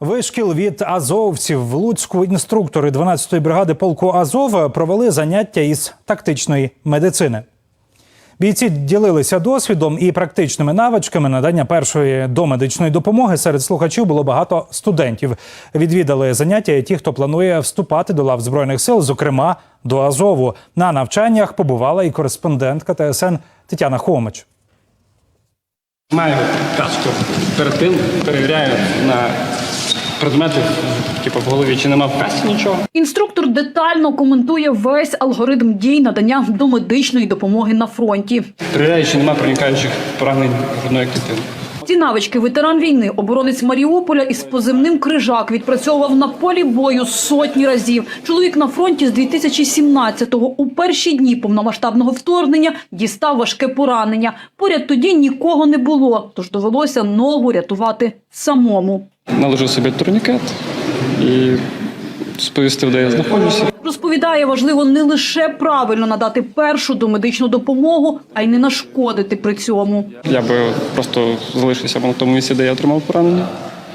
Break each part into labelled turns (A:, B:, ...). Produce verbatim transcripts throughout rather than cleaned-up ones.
A: Вишкіл від азовців. В Луцьку інструктори дванадцятої бригади полку Азов провели заняття із тактичної медицини. Бійці ділилися досвідом і практичними навичками надання першої домедичної допомоги. Серед слухачів було багато студентів. Відвідали заняття і ті, хто планує вступати до лав Збройних сил, зокрема до Азову. На навчаннях побувала і кореспондентка Т С Н Тетяна Хомич.
B: Маю каску. Перед тим перевіряю на предмети, типу в голові, чи нема в касті нічого.
C: Інструктор детально коментує весь алгоритм дій надання домедичної допомоги на фронті.
B: Перевіряю, чи нема проникаючих поранень грудної клітини.
C: Ці навички ветеран війни, оборонець Маріуполя із позивним «Крижак» відпрацьовував на полі бою сотні разів. Чоловік на фронті з дві тисячі сімнадцятого у перші дні повномасштабного вторгнення дістав важке поранення. Поряд тоді нікого не було, тож довелося ногу рятувати самому.
B: Наложив собі турнікет і сповістив, де я знаходжуся.
C: Розповідає, важливо не лише правильно надати першу домедичну допомогу, а й не нашкодити при цьому.
B: Я би просто залишився на тому місці, де я отримав поранення.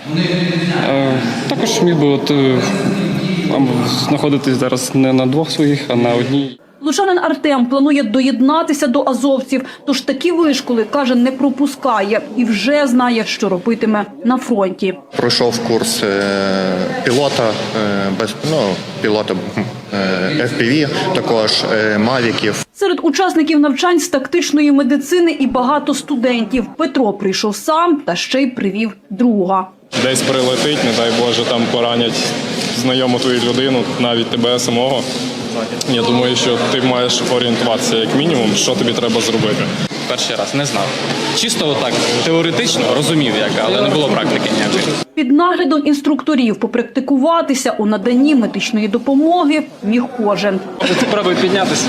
B: Також міг би от, знаходитись зараз не на двох своїх, а на одній.
C: Лучанин Артем планує доєднатися до азовців, тож такі вишколи, каже, не пропускає і вже знає, що робитиме на фронті.
D: Пройшов курс пілота, без, ну, пілота еф пі ві, також мавіків.
C: Серед учасників навчань з тактичної медицини і багато студентів. Петро прийшов сам та ще й привів друга.
E: Десь прилетить, не дай Боже, там поранять знайому твою людину, навіть тебе самого. Я думаю, що ти маєш орієнтуватися як мінімум, що тобі треба зробити.
F: Перший раз не знав. Чисто отак теоретично розумів, як, але не було практики ніякої.
C: Під наглядом інструкторів попрактикуватися у наданні медичної допомоги міг кожен.
F: Спробуй піднятися.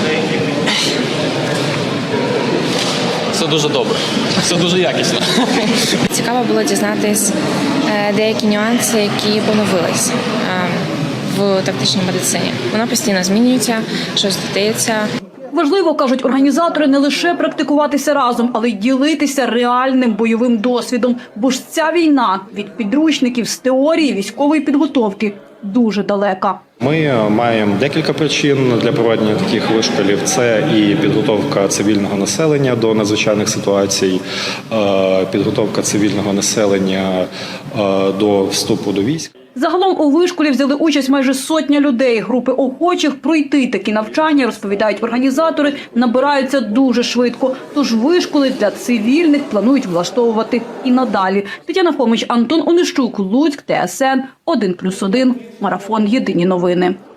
F: Все дуже добре, все дуже якісно.
G: Цікаво було дізнатись деякі нюанси, які поновились в тактичній медицині. Вона постійно змінюється, щось додається.
C: Важливо, кажуть організатори, не лише практикуватися разом, але й ділитися реальним бойовим досвідом. Бо ж ця війна від підручників з теорії військової підготовки дуже далека.
H: Ми маємо декілька причин для проведення таких вишколів. Це і підготовка цивільного населення до надзвичайних ситуацій, підготовка цивільного населення до вступу до військ.
C: Загалом у вишколі взяли участь майже сотня людей. Групи охочих пройти такі навчання, розповідають організатори, набираються дуже швидко. Тож вишколи для цивільних планують влаштовувати і надалі. Тетяна Хомич, Антон Онищук, Луцьк, Т С Н один плюс один, Марафон. Єдині новини.